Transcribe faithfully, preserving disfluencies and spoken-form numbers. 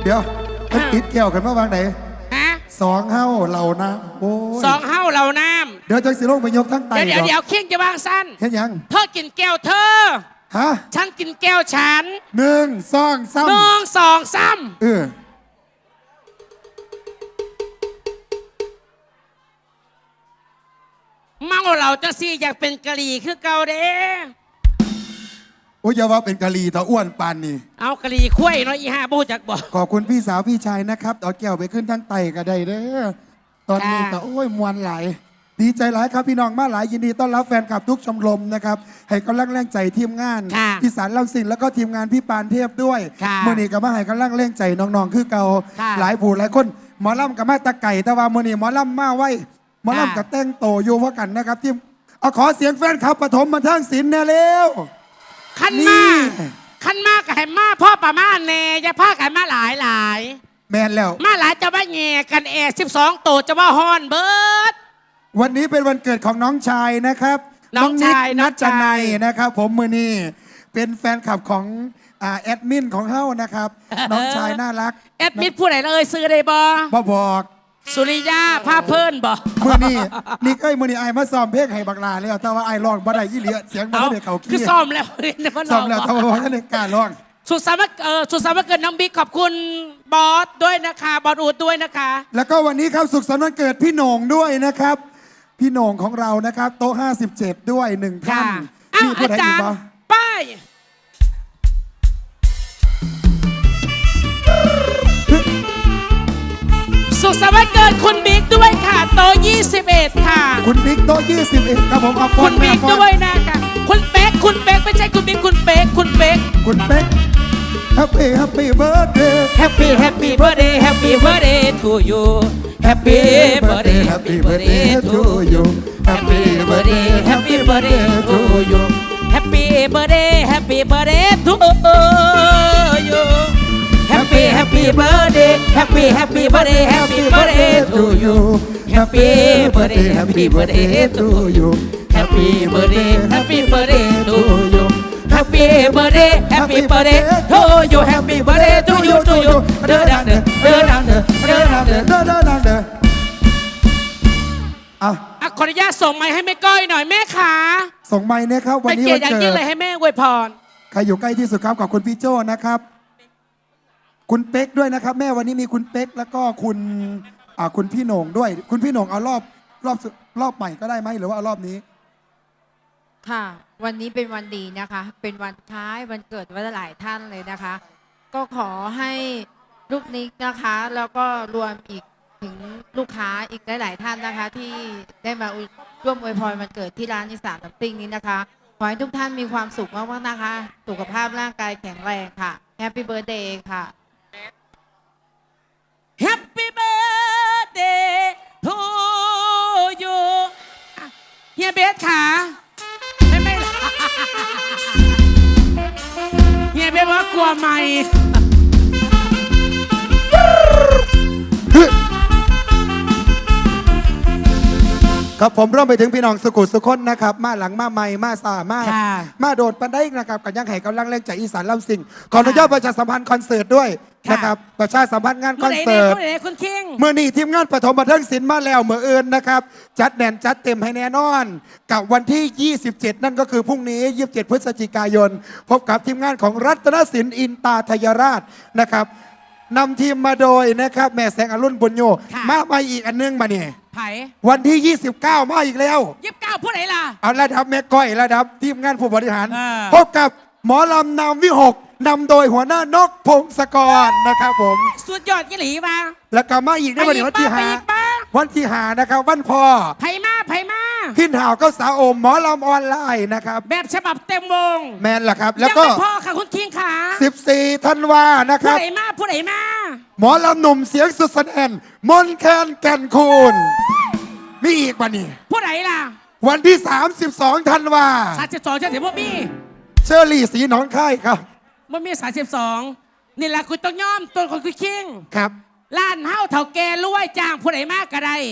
เดี๋ยวมันติดแก้วขึ้นมาวางไหนฮะสองเฮ้าเหล่าน้ำโอ้ยสองเฮ้าเหล่าน้ำเดี๋ยวจังสิลงไปยกทั้งไตำเดี๋ยวเดี๋ยวเคียงจะวางสั้นเห็นยังเธอกินแก้วเธอฮะฉันกินแก้วฉันหนึ่งสองสามหนึ่งสองสามเออเมาเราจะสิอยากเป็นกะหรี่คือเก่าเด้โอ้ยอย่าว่าเป็นกะลีตาอ้วนปานนี่เอากะหรี่คุ้ยเนาะอีห้าบูจักบอกขอบคุณพี่สาวพี่ชายนะครับเอาแก้วไปขึ้นทั้งไตก็ได้เด้อตอนนี้ก็โอ้ยมวนหลายดีใจหลายครับพี่น้องมาหลายยินดีต้อนรับแฟนคลับทุกชมรมนะครับให้กำลังแรงใจทีมงานพี่สารลำสิงแล้วก็ทีมงานพี่ปานเทพด้วยเมื่อนี้ก็มาให้กำลังแรงใจน้องๆคือเก่าหลายผู้หลายคนหมอลำกับมาตะไก่แต่ว่าเมื่อนี้หมอลำมาไว้หมอลำกับแต่งโตอยู่ว่ากันนะครับทีมเอาขอเสียงแฟนคลับปฐมบันเทิงศิลป์แน่เร็วขันมาขันมากับให้มาพ่อป่ามาเนยจะพากันมาหลายหลายแมนแล้วมาหลายจะว่าแง่กันแอสิบสองโตจะว่าฮอนเบิร์ดวันนี้เป็นวันเกิดของน้องชายนะครับน้องชายนัทจนัยนะครับผมมือนี่เป็นแฟนคลับของแอดมินของเฮ้านะครับน้องชายน่ารักแอดมินผู้ไหนเลยซื้อได้บ่บ่บอกสุริยาพาเพิ่นบ่มือนี่นี่เอ้ยมือนี่ไอ้มาซ้อมเพลงให้บักลาแล้วแต่ว่าไอ้ร้องบ่ได้ยี่เหลือเสียงบ่ได้เขาขี้คือซ้อมแล้วซ้อมแล้วแต่ว่าท่านในการร้องสุดสามเออสุดสามเกิดน้องบิ๊กขอบคุณบอสด้วยนะคะบอสอูดด้วยนะคะแล้วก็วันนี้ครับสุขสันต์วันเกิดพี่โหน่งด้วยนะครับพี่โหน่งของเรานะครับโต๊ะห้าสิบเจ็ดด้วยหนึ่งท่านนี่อาจารย์ป้ายสุขสันต์วันเกิดคุณบิ๊กด้วยค่ะโต๊ะยี่สิบเอ็ดค่ะคุณบิ๊กโต๊ะยี่สิบเอ็ดครับผมเอาคุณบิ๊กด้วยนะคะคุณเป๊กคุณเป๊กไม่ใช่คุณบิ๊กคุณเป๊กคุณเป๊กคุณเป๊ก Happy Happy Birthday Happy Happy Birthday Happy Birthday to you Happy Birthday Happy Birthday to you Happy Birthday Happy Birthday to you Happy Birthday Happy Birthday to you Happy Happy Birthday Happy Happy Birthday Happy Birthday to you Happy Birthday Happy Birthday to you Happy Birthday Happy Birthday to you Happy Birthday Happy Birthday to you Happy Birthday to you to you เดินดังเดินเดินดังเดินเดินดังเดินเดินดังเดินอ่ะขออนุญาตส่งไม้ให้แม่ก้อยหน่อยแม่ขาส่งไม้เนี่ยครับวันนี้วันเกิดยิ่งเลยให้แม่อวยพรใครอยู่ใกล้ที่สุดครับกับคุณพี่โจ้นะครับคุณเป๊กด้วยนะครับแม่วันนี้มีคุณเป๊กแล้วก็คุณอ่าคุณพี่โหน่งด้วยคุณพี่โหน่งเอารอบรอบรอบใหม่ก็ได้ไหมหรือว่าเอารอบนี้ค่ะวันนี้เป็นวันดีนะคะเป็นวันคล้ายวันเกิดวันหลายท่านเลยนะคะก็ขอให้ลูกนิกนะคะแล้วก็รวมอีกถึงลูกค้าอีกหลายๆท่านนะคะที่ได้มาร่วมอวยพรวันเกิดที่ร้านอีสานน้ำติ้งนี้นะคะขอให้ทุกท่านมีความสุขมากๆนะคะสุขภาพร่างกายแข็งแรงค่ะแฮปปี้เบิร์ธเดย์ค่ะ Happy birthday to you เฮียเบสค่ะไม่ไม่เฮียเบสว่ากลัวไม่ครับผมร่วมไปถึงพี่น้องสุขุสุขนนะครับมาหลังมาใหม่มาสามามาโดดปันได้นะครับกันยังไห้กำลังเล่นจากอีสานลำสิงขออนุญาตประชาสัมพันธ์คอนเสิร์ตด้วยนะครับประชาสัมพันธ์งานคอนเสิร์ตเมื่อนี้ทีมงานปฐมบันเทิงศิลป์มาแล้วเมื่อเอิญนะครับจัดแน่นจัดเต็มให้แน่นอนกับวันที่ยี่สิบเจ็ดนั่นก็คือพรุ่งนี้ยี่สิบเจ็ดพฤศจิกายนพบกับทีมงานของรัตนศิลป์อินตาทยราชนะครับนำทีมมาโดยนะครับแม่แสงอรุณบุญโยมาไปอีกอันนึงมาเนี่ยวันที่ยี่สิบเก้ามาอีกแล้วยี่สิบเก้าผู้ไหนล่ะเอาระดับแม่ก้อยระดับทีมงานผู้บริหารพบกับหมอลำนามวิหกนำโดยหัวหน้านกพงศกรนะครับผมสุดยอดยี่หลีมาแล้วก็มาอีกในวันที่หาวันที่หานะครับวันพ่อไผ่มาไผ่มาขึ้นห่าวก็สาวอมหมอลำออนไลน์นะครับแบบฉบับเต็มวงแมนล่ะครับแล้วก็พ่อค่ะคุณคิงค่ะสิบสี่ธันวานะครับผู้ไหนมาผู้ไหนมาหมอลำหนุ่มเสียงสุดแสนมนแคนแก่นคูณมีอีกวันนี้ผู้ไหนล่ะวันที่สามสิบสองธันวาสามสิบสองจะถึงพวกพี่เชอรี่สีหนองค่ายครับมันมีสามสิบสองนี่แหละคุณต้องย่อมตัวของคุณคิงครับล้านเฮ้าเถ่าแก่รวยจ้างผู้ไหนมากก็ได้